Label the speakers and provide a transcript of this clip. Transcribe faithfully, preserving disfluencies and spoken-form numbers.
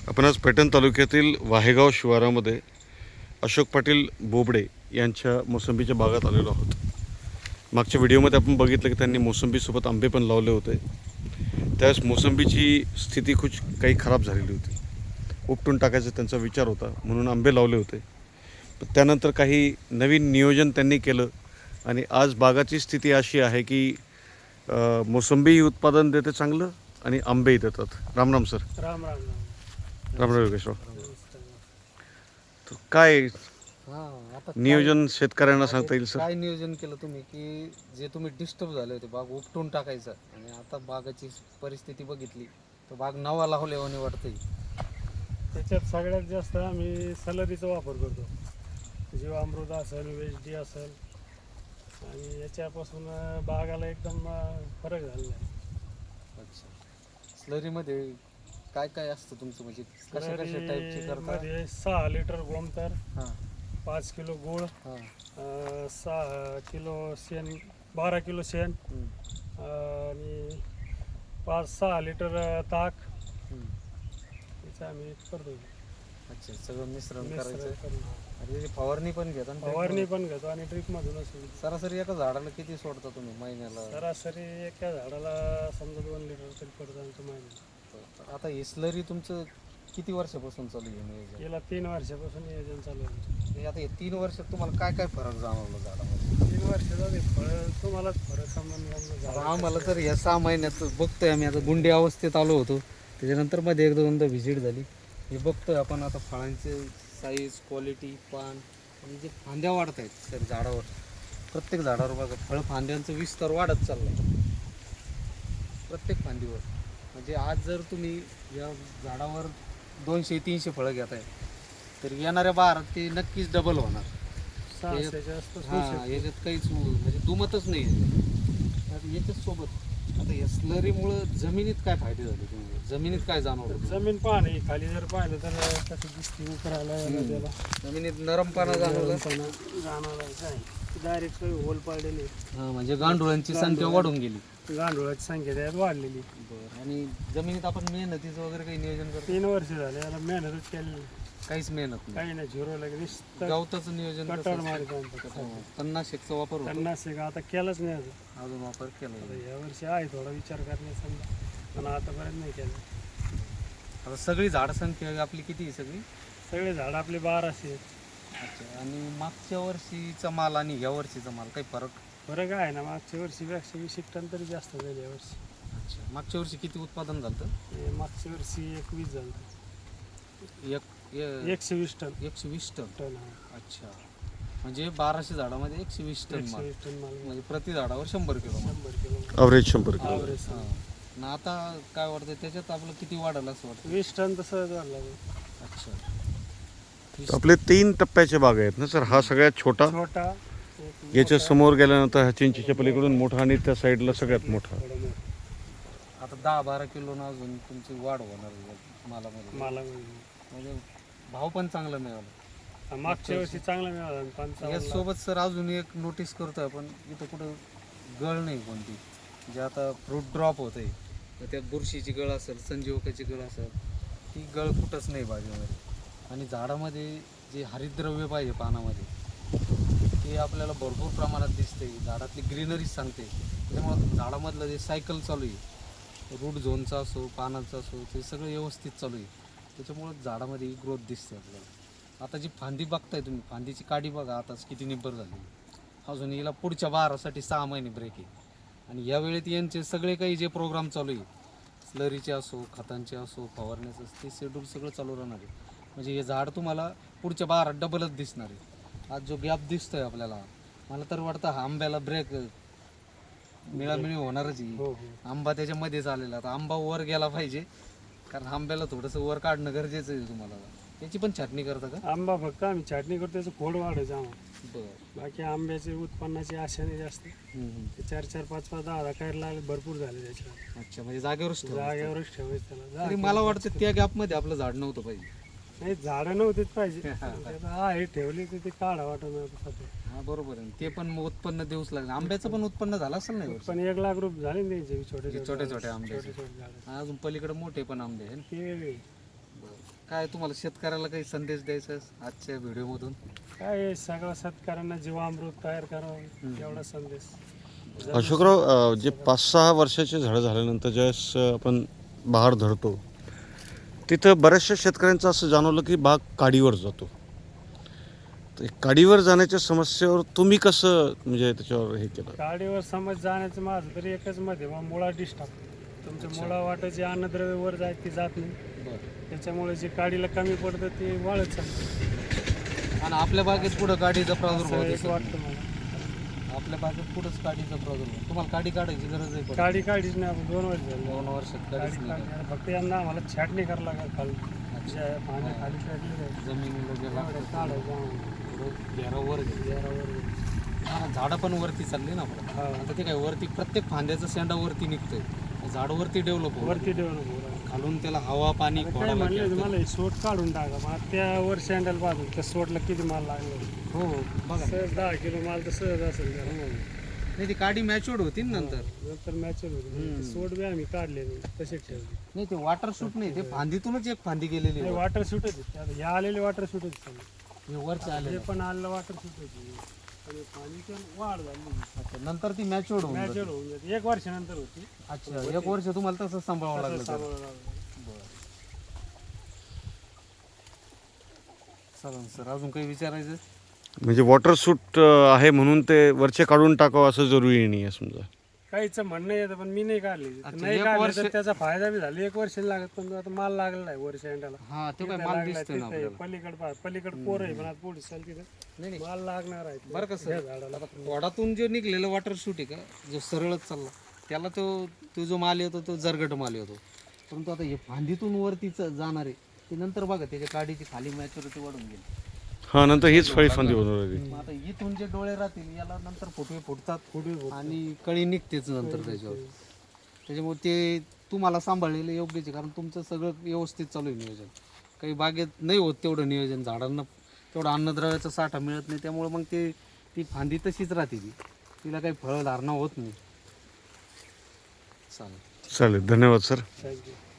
Speaker 1: आपण आज पैठण तालुक्यातील वाहेगाव शिवारामध्ये अशोक पाटील बोबडे यांच्या मोसंबीच्या बागात आलेलो आहोत. मागच्या व्हिडिओमध्ये आपण बघितलं की त्यांनी मोसंबीसोबत आंबे पण लावले होते. त्यावेळेस मोसंबीची स्थिती खूप काही खराब झालेली होती. उपटून टाकायचा त्यांचा विचार होता म्हणून आंबे लावले होते. पण त्यानंतर काही नवीन नियोजन त्यांनी केलं आणि आज बागाची स्थिती अशी आहे की मोसंबी उत्पादन देते चांगलं आणि आंबेही देतात. राम राम सर.
Speaker 2: राम राम
Speaker 1: राम राम योगेशराव. तर काय
Speaker 3: हां आता
Speaker 1: नियोजन शेतकऱ्यांना सांगता येईल सर?
Speaker 3: काय नियोजन केलं तुम्ही की जे तुम्ही डिस्टर्ब झाले होते बाग उपटून टाकायचं आणि आता बागाची परिस्थिती बघितली तर बाग नवा लावल्यावानी वाटतंय.
Speaker 2: त्याच्यात सगळ्यात जास्त आम्ही सलरीचा वापर करतो. जीवामृत असेल, वेच डी असेल आणि याच्यापासून बागाला एकदम फरक झालेला आहे.
Speaker 3: अच्छा, स्लरीमध्ये काय काय असतं तुमचं, म्हणजे कशा कशा टाईपचे करता?
Speaker 2: मध्ये सहा लिटर गोमतर,
Speaker 3: हां
Speaker 2: पाच किलो गुळ,
Speaker 3: हां
Speaker 2: अं, सहा किलो शेण, बारा किलो शेण
Speaker 3: हं,
Speaker 2: आणि पाच सहा लिटर ताक
Speaker 3: हं.
Speaker 2: याचं आम्ही करतो.
Speaker 3: अच्छा, सगळं मिश्रण
Speaker 2: मिश्रण
Speaker 3: करायचं
Speaker 2: करून.
Speaker 3: आणि त्याची फवारणी पण घेता ना?
Speaker 2: फवारणी पण घेतो आणि ड्रिप मधूनच.
Speaker 3: सरासरी एका झाडाला किती सोडता तुम्ही महिन्याला?
Speaker 2: सरासरी एका झाडाला समजा दोन लिटर तरी पडतं आमच्या महिन्यात.
Speaker 3: आता हे स्लरी तुमचं किती वर्षापासून चालू आहे नियोजन?
Speaker 2: गेल्या तीन वर्षापासून नियोजन चालू आहे आमचं.
Speaker 3: म्हणजे आता हे तीन वर्षात तुम्हाला काय काय फरक जाणवला झाडामध्ये?
Speaker 2: तीन वर्षाचा ते फळ तुम्हालाच फरक समजून
Speaker 3: आता आम्हाला तर या सहा महिन्यात बघतोय आम्ही, आता गुंडे अवस्थेत आलो होतो, त्याच्यानंतर मध्ये एक दोनदा व्हिजिट झाली. हे बघतोय आपण आता फळांचे साईज, क्वालिटी, पान आणि जे फांद्या वाढत आहेत सर झाडावर, प्रत्येक झाडावर बघा फळ फांद्यांचा विस्तार वाढत चालला प्रत्येक फांदीवर. म्हणजे आज जर तुम्ही या झाडावर दोनशे तीनशे फळं घेत आहे तर येणाऱ्या बारात ते नक्कीच डबल होणार.
Speaker 2: सहाशेच्या आसपास होऊ
Speaker 3: हां,
Speaker 2: शकतं.
Speaker 3: याच्यात काहीच म्हणजे दुमतच नाही आहे. आता याच्याच सोबत आता या स्लरीमुळं जमिनीत काय फायदे झाले तुम्हाला? जमिनीत काय जाणवलं?
Speaker 2: जमीन पाणी खाली जर पाहिलं तर कसं दिसते उकरायला याला त्याला
Speaker 3: जमिनीत नरमपणा जाणवला.
Speaker 2: जाणवलाच आहे. डायरेक्ट काही होल पाडलेली,
Speaker 3: हां, म्हणजे गांडुळांची संख्या वाढून गेली.
Speaker 2: गांडुळाची संख्या त्यात वाढलेली.
Speaker 3: बरं, आणि जमिनीत आपण मेहनतीचं वगैरे काही नियोजन करतो?
Speaker 2: तीन वर्ष झाले याला मेहनतच केलेली,
Speaker 3: काहीच मेहनत नाही.
Speaker 2: काही नाही. झिरो लागेल
Speaker 3: गवताचं नियोजन कसं
Speaker 2: कटर
Speaker 3: असतं?
Speaker 2: मारित आमचं.
Speaker 3: हो, तणनाशकचा वापर होतो?
Speaker 2: पन्नास एक आता केलंच नाही अजून.
Speaker 3: अजून वापर केला
Speaker 2: आता
Speaker 3: नाही.
Speaker 2: या वर्षी आहे थोडा विचार करणे समजा, पण आतापर्यंत नाही केलं.
Speaker 3: आता सगळी झाड संख्या आपली किती आहे सगळी?
Speaker 2: सगळे झाड आपले बाराशे आहेत.
Speaker 3: अच्छा, आणि मागच्या वर्षीचा माल आणि या वर्षीचा माल काही फरक?
Speaker 2: फरक आहे ना, मागच्या वर्षीपेक्षा वीस एक टन तरी जास्त झाले यावर्षी.
Speaker 3: अच्छा, मागच्या वर्षी किती उत्पादन झालं?
Speaker 2: हे मागच्या वर्षी एकवीस झालं,
Speaker 3: एक ए-
Speaker 2: एकशे वीस टन
Speaker 3: एकशे वीस टन.
Speaker 2: टन आहे.
Speaker 3: अच्छा, म्हणजे बाराशे झाडामध्ये एकशे वीस टन
Speaker 2: एकशे
Speaker 3: माल,
Speaker 2: वीस टन माल,
Speaker 3: म्हणजे प्रति झाडावर शंभर किलो माल.
Speaker 2: शंभर किलो
Speaker 1: ॲव्हरेज शंभर किलो.
Speaker 2: ॲव्हरेज.
Speaker 3: हां. आणि आता काय वाटतं त्याच्यात आपलं किती वाढेल असं वाटतं?
Speaker 2: वीस टन तसं झालं.
Speaker 3: अच्छा,
Speaker 1: तर आपले तीन टप्प्याचे बाग आहेत ना सर? हा सगळ्यात छोटा,
Speaker 2: छोटा, एक
Speaker 1: याच्या
Speaker 2: मोठा,
Speaker 1: समोर गेल्यानंतर हा चिंचेच्या पलीकडून मोठा आणि त्या साईडला सगळ्यात मोठा.
Speaker 2: थोडा मोठा.
Speaker 3: आता दहा बारा किलोनं अजून तुमची वाढ होणार आहे मालामध्ये.
Speaker 2: मला
Speaker 3: म्हणजे भाव पण चांगला मिळाला.
Speaker 2: मागच्या वर्षी चांगला मिळाला पंचावन्न.
Speaker 3: यासोबत सर अजून एक नोटीस करतोय आपण, इथं कुठं गळ नाही कोणती, जे आता फ्रूट ड्रॉप होत आहे तर त्यात बुरशीची गळ असेल, संजीवकाची गळ असेल, ती गळ कुठंच नाही बागेमध्ये. आणि झाडामध्ये जे हरितद्रव्य पाहिजे पानामध्ये ते आपल्याला भरपूर प्रमाणात दिसते. झाडातली ग्रीनरी सांगते. त्याच्यामुळं झाडामधलं जे सायकल चालू आहे, रूट झोनचा असो, पानाचा असो, ते सगळं व्यवस्थित चालू आहे. त्याच्यामुळं झाडामध्ये ग्रोथ दिसते आपल्याला. आता जी फांदी बघताय तुम्ही, फांदीची काडी बघा आताच किती निब्बर झाली. अजून हिला पुढच्या बारासाठी सहा महिने ब्रेक आहे. आणि या वेळेत यांचे सगळे काही जे प्रोग्राम चालू आहे, स्लरीचे असो, खतांचे असो, फवारण्याचं, ते शेड्यूल सगळं चालू राहणार आहे. म्हणजे हे झाड तुम्हाला पुढच्या बारात डबलच दिसणार आहे. आज जो गॅप दिसतोय आपल्याला, मला तर वाटतं हा आंब्याला ब्रेक मिळामिळी होणारच आहे.
Speaker 2: हो हो.
Speaker 3: आंबा त्याच्यामध्येच आलेला. आता आंबा वर गेला पाहिजे, कारण आंब्याला थोडंसं वर काढणं गरजेचं आहे. तुम्हाला त्याची पण छाटणी करता का?
Speaker 2: आंबा फक्त आम्ही छाटणी करतो, त्याचं खोड वाढायचं आम्हाला.
Speaker 3: बरं.
Speaker 2: बाकी आंब्याचे उत्पन्नाची आशा नाही जास्त. ते चार चार पाच पाच दहा दहा काढला लागले, भरपूर झाले त्याच्यावर.
Speaker 3: अच्छा, म्हणजे जागेवरच ठेवायचं.
Speaker 2: जागेवरच ठेवायचं त्याला.
Speaker 3: तरी मला वाटतं त्या गॅपमध्ये आपलं झाड नव्हतं पाहिजे.
Speaker 2: नाही, झाडं नव्हतीच पाहिजे. हा, हे ठेवली तर ते काढा वाटत.
Speaker 3: हा, बरोबर आहे. ते पण मग उत्पन्न देऊच लागलं. आंब्याचं पण उत्पन्न झालं असेल नाही?
Speaker 2: पण एक लाख रुपये झाले ना त्यांचे छोटे
Speaker 3: छोटे छोटे आंबे.
Speaker 2: छोटे छोटे झाले.
Speaker 3: अजून पलीकडे मोठे पण आंबे आहे.
Speaker 2: ते वेगळे.
Speaker 3: काय तुम्हाला शेतकऱ्याला काही संदेश द्यायचा आहे आजच्या व्हिडिओमधून?
Speaker 2: काय आहे, सगळ्या शेतकऱ्यांना जीवामृत तयार करावं एवढा संदेश.
Speaker 1: अशोकराव, अ, जे पाच सहा वर्षाचे झाडं झाल्यानंतर ज्यावेळेस अ, आपण बहार धरतो तिथं बऱ्याचशा शेतकऱ्यांचं असं जाणवलं की बाग काडीवर जातो. तर काडीवर जाण्याच्या समस्येवर तुम्ही कसं म्हणजे त्याच्यावर हे केलं?
Speaker 2: गाडीवर समज जाण्याचं माझं तरी एकच मत आहे, मग मुळा डिस्टर्ब. तुमच्या मुळा वाटायची अन्नद्रव्य वर जाय ती जात नाही,
Speaker 3: बरं.
Speaker 2: त्याच्यामुळे जे काडीला कमी पडतं ते वाळत चालतं
Speaker 3: आणि आपल्या बागेत पुढं काडीचा प्रादुर्भाव
Speaker 2: असं एक
Speaker 3: दिसत
Speaker 2: वाटतं मला.
Speaker 3: नाही. आपल्या बागेत पुढंच काडीचा प्रादुर्भाव. तुम्हाला काडी काढायची गरज आहे पण
Speaker 2: काडी काढीच नाही, आपण दोन वर्ष झाले
Speaker 3: दोन वर्षात
Speaker 2: काडी
Speaker 3: काडीच नाही
Speaker 2: काढली. आता फक्त यांना आम्हाला छाटणी करावं लागेल खाली, जे पाण्या खाली काढली
Speaker 3: काढली. जमिनीला जे लागतं
Speaker 2: काढायचं आम्हाला.
Speaker 3: घेरावर
Speaker 2: जरावर.
Speaker 3: झाडं पण वरती चालली ना आपलं.
Speaker 2: हा.
Speaker 3: आता ते काय वरती प्रत्येक फांद्याचा शेंडा वरती निघतोय, झाड वरती डेव्हलप होत
Speaker 2: वरती डेव्हलप होऊ राहिलं.
Speaker 3: खालून त्याला हवा पाणी
Speaker 2: काय
Speaker 3: फोडावं
Speaker 2: म्हणले
Speaker 3: लागतं.
Speaker 2: मला हे सोट काढून टाका, मग त्या वर सँडल बाजू त्या सोटला किती माल लागला.
Speaker 3: हो बघा.
Speaker 2: सहज दहा किलो माल तर सहज असेल त्याला.
Speaker 3: नाही ती काडी मॅच्युअर्ड होती ना नंतर.
Speaker 2: नंतर मॅच होती, सोट बी आम्ही काढले तसेच ठेवले.
Speaker 3: नाही ते वॉटर शूट नाही, ते फांदीतूनच एक फांदी गेलेली
Speaker 2: नाही
Speaker 3: वर.
Speaker 2: वॉटर शूट होती, हे आलेले वॉटर शूट होती.
Speaker 3: हे वरचे आले
Speaker 2: हे पण आलेलं वॉटर शूट होती आणि पाणी वाढ झाली.
Speaker 3: अच्छा, नंतर ती मॅच्युअर्ड होऊन
Speaker 2: मॅच
Speaker 3: जाते.
Speaker 2: होऊन जाते, एक वर्षानंतर होती.
Speaker 3: अच्छा, एक वर्ष तुम्हाला तसं सांभाळावं लागलं
Speaker 2: तसं
Speaker 3: तर.
Speaker 2: सांभाळावं लागलं.
Speaker 3: चालेल सर, अजून काही विचारायचं?
Speaker 1: म्हणजे वॉटर सूट आहे म्हणून ते वरचे काढून टाकावं असं जरुरी नाही आहे समजा.
Speaker 2: काहीच म्हणणं येतं पण मी नाही काढली.
Speaker 3: अच्छा,
Speaker 2: नाही
Speaker 3: एक
Speaker 2: काढले
Speaker 3: वर्ष-
Speaker 2: तर त्याचा फायदा बी झाला. एक वर्ष लागत पण आता माल लागलेला आहे वर्ष एंडाला.
Speaker 3: हा ते काय
Speaker 2: तिथं
Speaker 3: माल
Speaker 2: लागलाय,
Speaker 3: दिसतोय ना
Speaker 2: तिथं आहे,
Speaker 3: आपल्याला.
Speaker 2: पलीकडे पहा, पलीकडे पोर आहे पण आता पुढे चाल तिथं
Speaker 3: नाही नाही,
Speaker 2: माल लागणार आहे.
Speaker 3: बरं का सर,
Speaker 2: या झाडाला
Speaker 3: वडातून जो निघलेलं वॉटर शूट आहे का, जो सरळच चालला त्याला तो तो जो माल येतो तो जरगट माल येतो. परंतु आता हे फांदीतून वरती च- जाणार आहे ते नंतर बघा त्याच्या काडीची खाली मॅच्युरिटी वाढून गेली.
Speaker 1: हां, नंतर हीच फळी फांदी बनवून राहिली.
Speaker 3: मग आता इथून जे डोळे राहतील याला नंतर फुटवे फुटतात फुटवे आणि कळी निघतेच नंतर त्याच्यावर. त्याच्यामुळे ते तुम्हाला सांभाळलेलं योग्यच आहे, कारण तुमचं सगळं व्यवस्थित चालू आहे नियोजन. काही बागेत नाही होत तेवढं नियोजन, झाडांना तेवढं अन्नद्रव्याचा साठा मिळत नाही, त्यामुळे मग ते ती फांदी तशीच राहते, ती तिला काही फळधारणा होत नाही. चालेल.
Speaker 1: चालेल, धन्यवाद सर.
Speaker 2: थँक्यू.